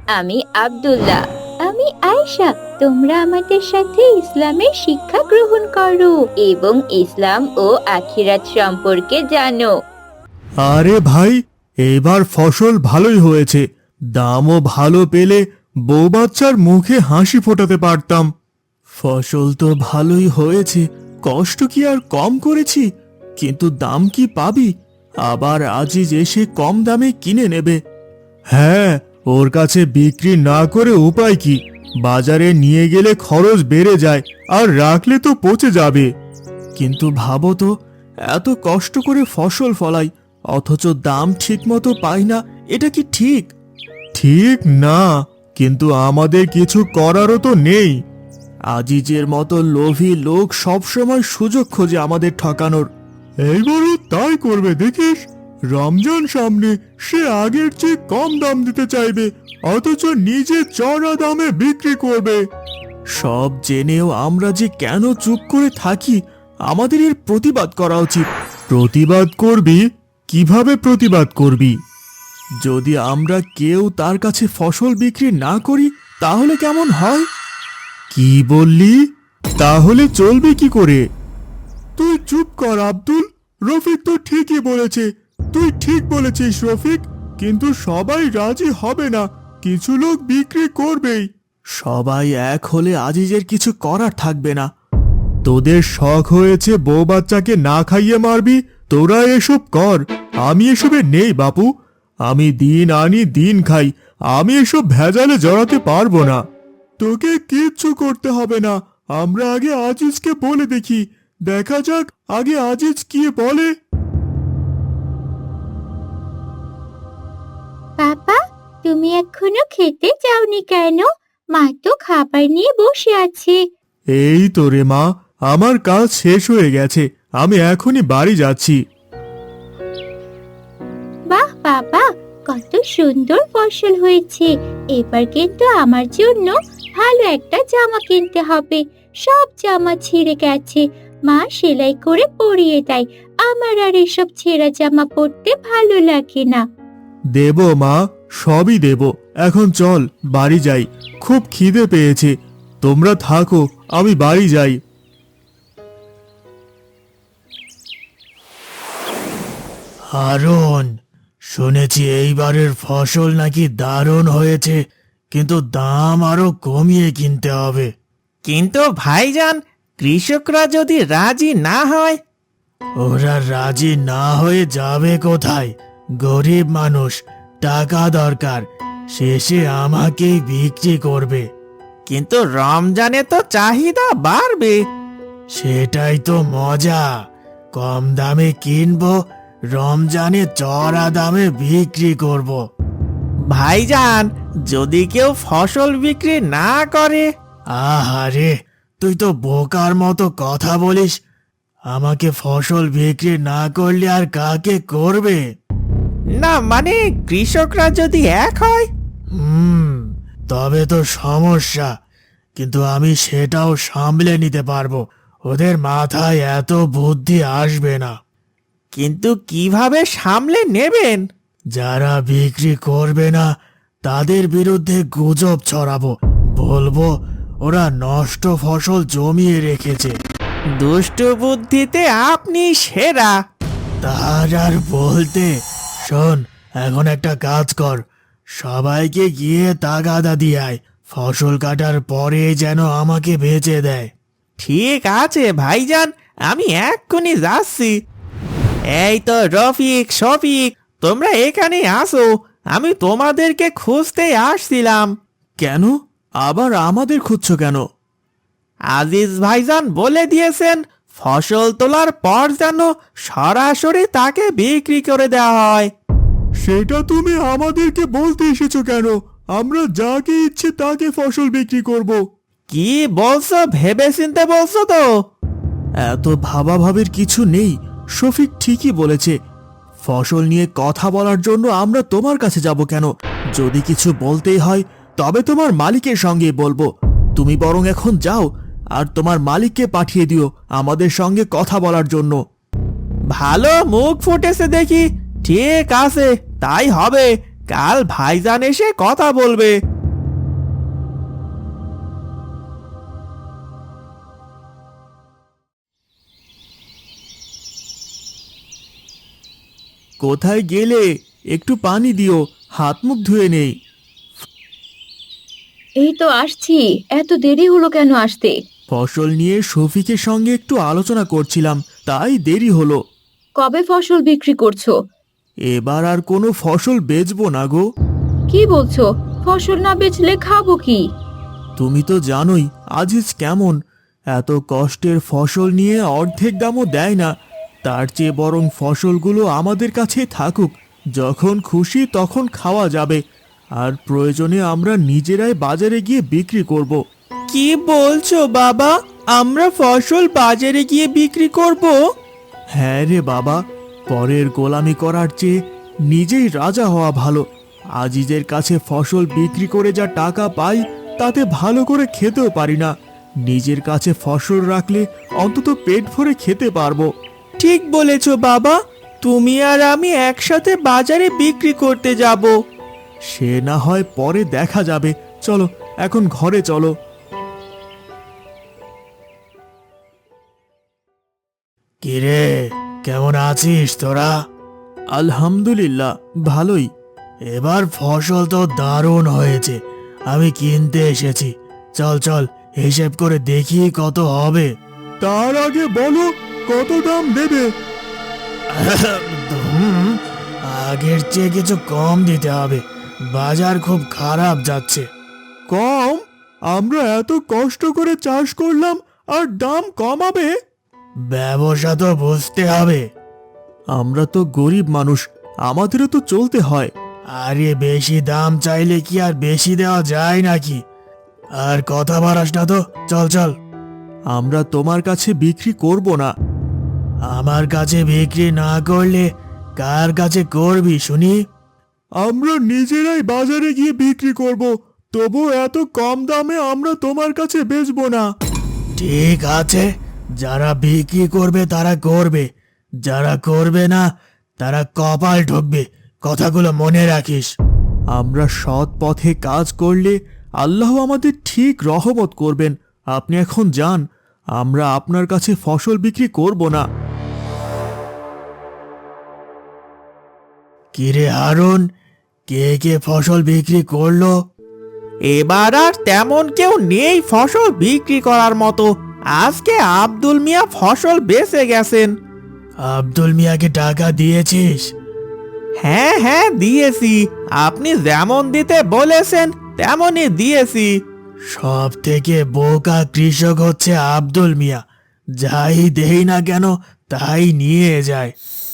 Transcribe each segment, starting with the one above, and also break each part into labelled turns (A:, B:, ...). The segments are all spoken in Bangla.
A: আমি আব্দুল্লাহ। আমি আয়েশা। তোমরা আমাদের সাথে ইসলামের শিক্ষা গ্রহণ করো এবং ইসলাম ও আখিরাত সম্পর্কে জানো।
B: আরে ভাই, এবার ফসল ভালোই হয়েছে। দামও ভালো পেলে বউ বাচ্চার মুখে হাসি ফোটাতে পারতাম। ফসল তো ভালোই হয়েছে, কষ্ট কি আর কম করেছি? কিন্তু দাম কি পাবি? আবার আজিজ এসে কম দামে কিনে নেবে। হ্যাঁ, ওর কাছে বিক্রি না করে উপায় কি? বাজারে নিয়ে গেলে খরচ বেড়ে যায়, আর রাখলে তো পচে যাবে। কিন্তু ভাবো তো, এত কষ্ট করে ফসল ফলাই, অথচ দাম ঠিক মতো পাই না। এটা কি ঠিক? ঠিক না, কিন্তু আমাদের কিছু করারও তো নেই। আজিজের মতো লোভী লোক সবসময় সুযোগ খোঁজে আমাদের ঠকানোর। এইবারও তাই করবে দেখিস। রমজান সামনে, সে আগের চেয়ে কম দাম দিতে চাইবে, অথচ নিজে চড়া দামে বিক্রি করবে। সব জেনেও আমরা যে কেন চুপ করে থাকি? আমাদের এর প্রতিবাদ করা উচিত। প্রতিবাদ করবি? কিভাবে প্রতিবাদ করবি? যদি আমরা কেউ তার কাছে ফসল বিক্রি না করি, তাহলে কেমন হয়? কি বললি? তাহলে চলবে কি করে? তুই চুপ কর আব্দুল। রফিক তো ঠিকই বলেছে। তুই ঠিক বলেছিস রফিক, কিন্তু সবাই রাজি হবে না। কিছু লোক বিক্রি করবেই। সবাই এক হলে আজিজের কিছু করার থাকবে না। তোদের শখ হয়েছে বউ বাচ্চাকে না খাইয়ে মারবি, তোরা এসব কর। আমি এসবে নেই বাপু। আমি দিন আনি দিন খাই, আমি এসব ভেজালে জড়াতে পারবো না। তোকে কিচ্ছু করতে হবে না। আমরা আগে আজিজকে বলে দেখি। দেখা যাক আগে আজিজ কি বলে।
A: বাবা, তুমি এখনো খেতে যাওনি কেন? মা তো খাবার নিয়ে বসে আছে।
B: এই তো রে মা, আমার কাজ শেষ হয়ে গেছে, আমি এখনই বাড়ি যাচ্ছি।
A: বাহ বাবা, কত সুন্দর ফসল হয়েছে। এবার কিন্তু আমার জন্য ভালো একটা জামা কিনতে হবে। সব জামা ছিঁড়ে গেছে, মা সেলাই করে পরিয়ে দেয়। আমার আর এসব ছেঁড়া জামা পরতে ভালো লাগে না।
B: দেব মা, সবই দেব। এখন চল বাড়ি যাই, খুব খিদে পেয়েছে। তোমরা থাকো, আমি বাড়ি যাই। হারুন, শুনেছি এইবারের ফসল নাকি দারুণ হয়েছে, কিন্তু দাম আরো কমিয়ে কিনতে হবে।
C: কিন্তু ভাইজান, কৃষকরা যদি রাজি না হয়?
B: ওরা রাজি না হয়ে যাবে কোথায়? গরিব মানুষ, টাকা দরকার, শেষে আমাকেই বিক্রি করবে।
C: কিন্তু রমজানে তো চাহিদা বাড়বে।
B: সেটাই তো মজা। কম দামে কিনবো, রমজানে চড়া দামে বিক্রি করব।
C: ভাইজান, যদি কেউ ফসল বিক্রি না করে?
B: আহারে, তুই তো বোকার মতো কথা বলিস। আমাকে ফসল বিক্রি না করলে আর কাকে করবে?
C: না মানে, কৃষকরা যদি এক হয়?
B: তবে তো সমস্যা, কিন্তু আমি সেটাও সামলে নিতে পারবো। ওদের মাথায় এত বুদ্ধি আসবে না।
C: কিন্তু কিভাবে সামলে নেবেন?
B: যারা বিক্রি করবে না, তাদের বিরুদ্ধে গুজব ছড়াবো। বলবো ওরা নষ্ট ফসল জমিয়ে রেখেছে।
C: দুষ্ট বুদ্ধিতে আপনি সেরা।
B: তার আর বলতে। শোন, এখন একটা কাজ কর, সবাইকে গিয়ে তাগাদা দিয়ে আয়। ফসল কাটার পরে যেন আমাকে বেচে দেয়।
C: ঠিক আছে ভাইজান, আমি এক্ষুনি যাচ্ছি। এই তো রফিক, শফিক, তোমরা এখানে আসো। আমি তোমাদেরকে খুঁজতে আসছিলাম।
B: কেন? আবার আমাদের খুঁজছো কেন?
C: আজিজ ভাইজান বলে দিয়েছেন ফসল তোলার পর যেন সরাসরি তাকে বিক্রি করে দেওয়া হয়।
B: সেটা তুমি আমাদেরকে বলতে এসেছো কেন? আমরা যাকে ইচ্ছে তাকে ফসল বিক্রি করব।
C: কি বলছো? ভেবে চিনতে বলছো তো?
B: এত ভাবাভাবির কিছু নেই। শফিক ঠিকই বলেছে। ফসল নিয়ে কথা বলার জন্য আমরা তোমার কাছে যাব কেন? যদি কিছু বলতেই হয়, তবে তোমার মালিকের সঙ্গে বলবো। তুমি বরং এখন যাও, আর তোমার মালিককে পাঠিয়ে দিও আমাদের সঙ্গে কথা বলার জন্য।
C: ভালো মুখ ফুটেছে দেখি। ঠিক আছে, তাই হবে। কাল ভাইজান এসে কথা বলবে।
B: কোথায় গেলে? একটু পানি দিও, হাত মুখ ধুয়ে নেই।
A: এই তো আসছি। এত দেরি হলো কেন আসতে?
B: ফসল নিয়ে শফিকের সঙ্গে একটু আলোচনা করছিলাম, তাই দেরি হলো।
A: কবে ফসল বিক্রি করছো?
B: এবার আর কোনো ফসল বেচবো না গো।
A: কি বলছো? ফসল না বেচলে খাবো কি?
B: তুমি তো জানোই আজিজ কেমন। এত কষ্টের ফসল নিয়ে অর্ধেক দামও দেয় না। তার চেয়ে বরং ফসলগুলো আমাদের কাছে থাকুক, যখন খুশি তখন খাওয়া যাবে, আর প্রয়োজনে আমরা নিজেরাই বাজারে গিয়ে বিক্রি করব।
C: কি বলছো বাবা, আমরা ফসল বাজারে গিয়ে বিক্রি করব?
B: হ্যাঁ রে বাবা, পরের গোলামি করার চেয়ে নিজেই রাজা হওয়া ভালো। আজিজের কাছে ফসল বিক্রি করে যা টাকা পাই তাতে ভালো করে খেতেও পারি না। নিজের কাছে ফসল রাখলে অন্তত পেট ভরে খেতে পারবো।
C: ঠিক বলেছো বাবা, তুমি আর আমি একসাথে বাজারে বিক্রি করতে যাব।
B: সে না হয় পরে দেখা যাবে, চলো এখন ঘরে চলো। কিরে, কেমন আছিস তোরা? আলহামদুলিল্লাহ, ভালোই। এবার ফসল তো দারুণ হয়েছে, আমি কিনতে এসেছি। চল চল, হিসেব করে দেখি কত হবে। তার আগে বলো কত দাম দেবে? আগের চেয়ে কিছু কম দিতে হবে, বাজার খুব খারাপ যাচ্ছে। কম? আমরা এত কষ্ট করে চাষ করলাম আর দাম কমাবে? ব্যবসা তো বুঝতে হবে। আমরা তো গরিব মানুষ, আমাদেরও তো চলতে হয়। আরে বেশি দাম চাইলে কি আর বেশি দেওয়া যায় নাকি? আর কথা বাড়াস না তো, চল চল। আমরা তোমার কাছে বিক্রি করব না। আমার কাছে বিক্রি না করলে কার কাছে করবি শুনি? আমরা নিজেরাই বাজারে গিয়ে বিক্রি করব, তবু এত কম দামে আমরা তোমার কাছে বেচবো না। ঠিক আছে, যারা বিক্রি করবে তারা করবে, যারা করবে না তারা কপাল ঠকবে, কথাগুলো মনে রাখিস। আমরা সৎ পথে কাজ করলে আল্লাহ আমাদের ঠিক রহমত করবেন। আপনি এখন যান, আমরা আপনার কাছে ফসল বিক্রি করব না। কিরে হারুন, কে কে ফসল বিক্রি করলো?
C: এবার আর তেমন কেউ নেই ফসল বিক্রি করার মতো। আজকে আব্দুল মিয়া ফসল বেচে গেছেন।
B: আব্দুল মিয়াকে টাকা দিয়েছিস?
C: হ্যাঁ হ্যাঁ দিয়েছি, আপনি যেমন দিতে বলেছেন তেমনই দিয়েছি।
B: সব থেকে বোকা কৃষক হচ্ছে আব্দুল মিয়া, যাই দেই না কেন তাই নিয়ে যায়।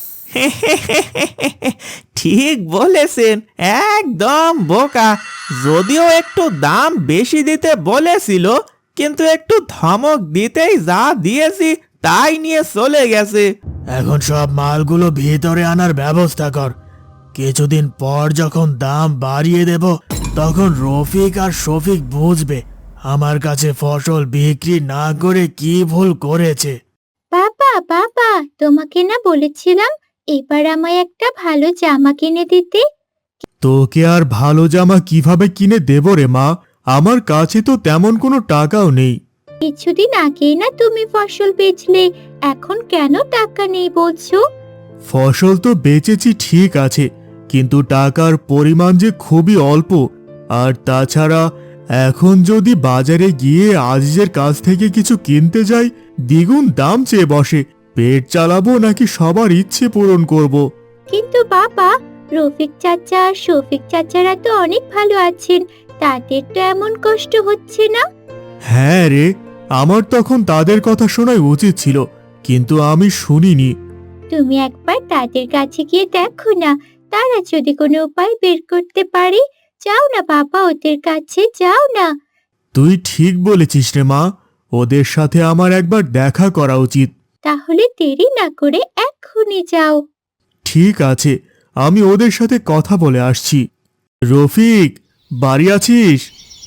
C: ঠিক বলেছেন, একদম বোকা। যদিও একটু দাম বেশি দিতে বলেছিল, কিন্তু একটু ধমক দিতেই যা দিয়েছি তাই নিয়ে চলে গেছে।
B: এখন সব মালগুলো ভিতরে আনার ব্যবস্থা কর। কিছুদিন পর যখন দাম বাড়িয়ে দেব, তখন রফিক আর শফিক বুঝবে আমার কাছে ফসল বিক্রি না করে কি ভুল করেছে।
A: বাবা বাবা, তোমাকে না বলেছিলাম এবার আমায় একটা ভালো জামা কিনে দিতে?
B: তোকে আর ভালো জামা কিভাবে কিনে দেব রে মা? আমার কাছে তো তেমন কোনো টাকাও নেই।
A: কিছুদিন আগেই না তুমি ফসল বেচলে, এখন কেন টাকা নেই বলছো?
B: ফসল তো বেচেছি ঠিক আছে, কিন্তু টাকার পরিমাণ যে খুবই অল্প। আর তাছাড়া এখন যদি বাজারে গিয়ে আজিজের কাছ থেকে কিছু কিনতে যাই, দ্বিগুণ দাম চেয়ে বসে। পেট চালাবো নাকি সবার ইচ্ছে পূরণ করব?
A: কিন্তু বাবা, রফিক চাচা আর শফিক চাচারা তো অনেক ভালো আছেন, তাদের তো এমন কষ্ট হচ্ছে না।
B: হ্যাঁ রে, আমার তখন তাদের কথা শোনাই উচিত ছিল, কিন্তু আমি শুনিনি।
A: তুমি একবার তাদের কাছে গিয়ে দেখো না, তারা যদি কোনো উপায় বের করতে পারে। যাও না বাবা, ওদের কাছে যাও না।
B: তুই ঠিক বলেছিস রে মা, ওদের সাথে আমার একবার দেখা করা উচিত।
A: তাহলে দেরি না করে এক্ষুনি যাও।
B: ঠিক আছে, আমি ওদের সাথে কথা বলে আসছি। রফিক, বাড়ি আছিস?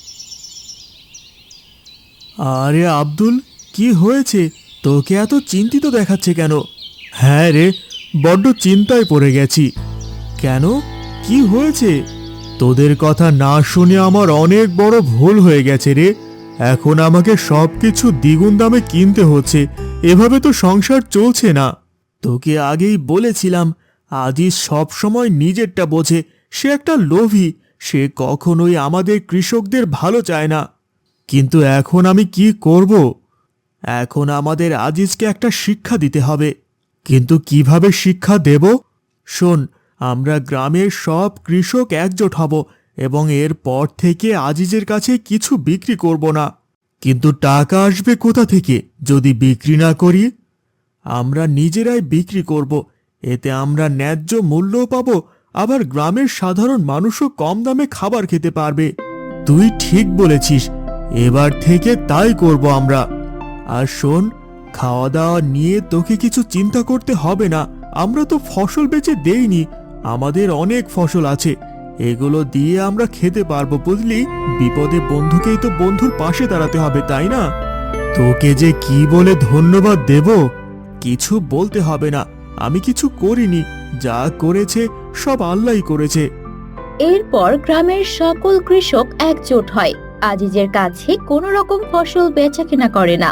B: আরে আব্দুল, কি হয়েছে? তোকে এত চিন্তিত দেখাচ্ছে কেন? হ্যাঁ রে, বড্ড চিন্তায় পড়ে গেছি। কেন, কি হয়েছে? তোদের কথা না শুনে আমার অনেক বড় ভুল হয়ে গেছে রে। এখন আমাকে সবকিছু দ্বিগুণ দামে কিনতে হচ্ছে, এভাবে তো সংসার চলছে না। তোকে আগেই বলেছিলাম আজিজ সব সময় নিজেরটা বোঝে, সে একটা লোভী, সে কখনোই আমাদের কৃষকদের ভালো চায় না। কিন্তু এখন আমি কি করব? এখন আমাদের আজিজকে একটা শিক্ষা দিতে হবে। কিন্তু কিভাবে শিক্ষা দেব? শোন, আমরা গ্রামের সব কৃষক একজোট হব এবং এরপর থেকে আজিজের কাছে কিছু বিক্রি করব না। কিন্তু টাকা আসবে কোথা থেকে যদি বিক্রি না করি? আমরা নিজেরাই বিক্রি করব, এতে আমরা ন্যায্য মূল্যও পাবো, আবার গ্রামের সাধারণ মানুষও কম দামে খাবার খেতে পারবে। তুই ঠিক বলেছিস, এবার থেকে তাই করব আমরা। আর শোন, খাওয়া দাওয়া নিয়ে তোকে কিছু চিন্তা করতে হবে না। আমরা তো ফসল বেচে দেইনি, আমাদের অনেক ফসল আছে, এগুলো দিয়ে আমরা খেতে পারবো, বুঝলি? বিপদে বন্ধুকেই তো বন্ধুর পাশে দাঁড়াতে হবে, তাই না? তোকে যে কি বলে ধন্যবাদ দেব? কিছু বলতে হবে না, আমি কিছু করিনি, যা করেছে সব আল্লাহই করেছে।
A: এরপর গ্রামের সকল কৃষক একজোট হয়, আজিজের কাছে কোনো রকম ফসল বেচাকেনা করে না।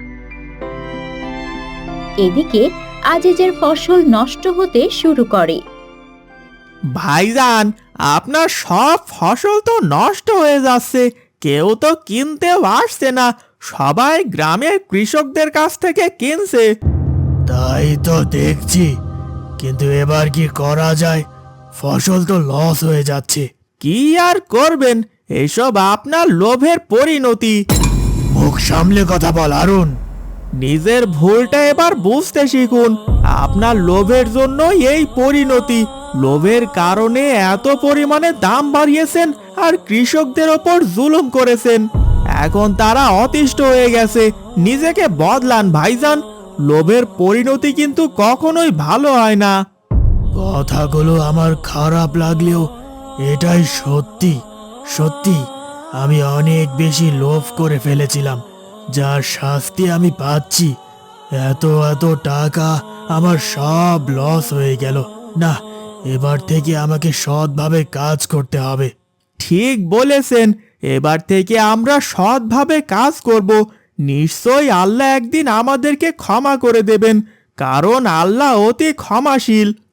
A: এদিকে আজিজের ফসল নষ্ট হতে শুরু করে।
C: ভাইজান, আপনার সব ফসল তো নষ্ট হয়ে যাচ্ছে, কেউ তো কিনতেও আসছে না, সবাই গ্রামের কৃষকদের কাছ থেকে কিনছে।
B: তাই তো দেখছি, কিন্তু এবার কি করা যায়? ফসল তো লস হয়ে যাচ্ছে।
C: কি আর করবেন, এসব আপনার লোভের পরিণতি।
B: মুখ সামলে কথা বল আরুন।
C: নিজের ভুলটা এবার বুঝতে শিখুন, আপনার লোভের জন্যই এই পরিণতি। লোভের কারণে এত পরিমাণে দাম বাড়িয়েছেন আর কৃষকদের ওপর জুলুম করেছেন। এখন তারা অতিষ্ঠ হয়ে গেছে, নিজেকে বদলান ভাইজান। লোভের পরিণতি কিন্তু কখনোই ভালো হয় না।
B: কথাগুলো আমার খারাপ লাগলেও এটাই সত্যি। সত্যি আমি অনেক বেশি লোভ করে ফেলেছিলাম, যার শাস্তি আমি পাচ্ছি। এত এত টাকা আমার সব লস হয়ে গেল। না, এবার থেকে আমাকে সৎভাবে কাজ করতে হবে।
C: ঠিক বলেছেন, এবার থেকে আমরা সৎভাবে কাজ করব। নিশ্চয়ই আল্লাহ একদিন আমাদেরকে ক্ষমা করে দেবেন, কারণ আল্লাহ অতি ক্ষমাশীল।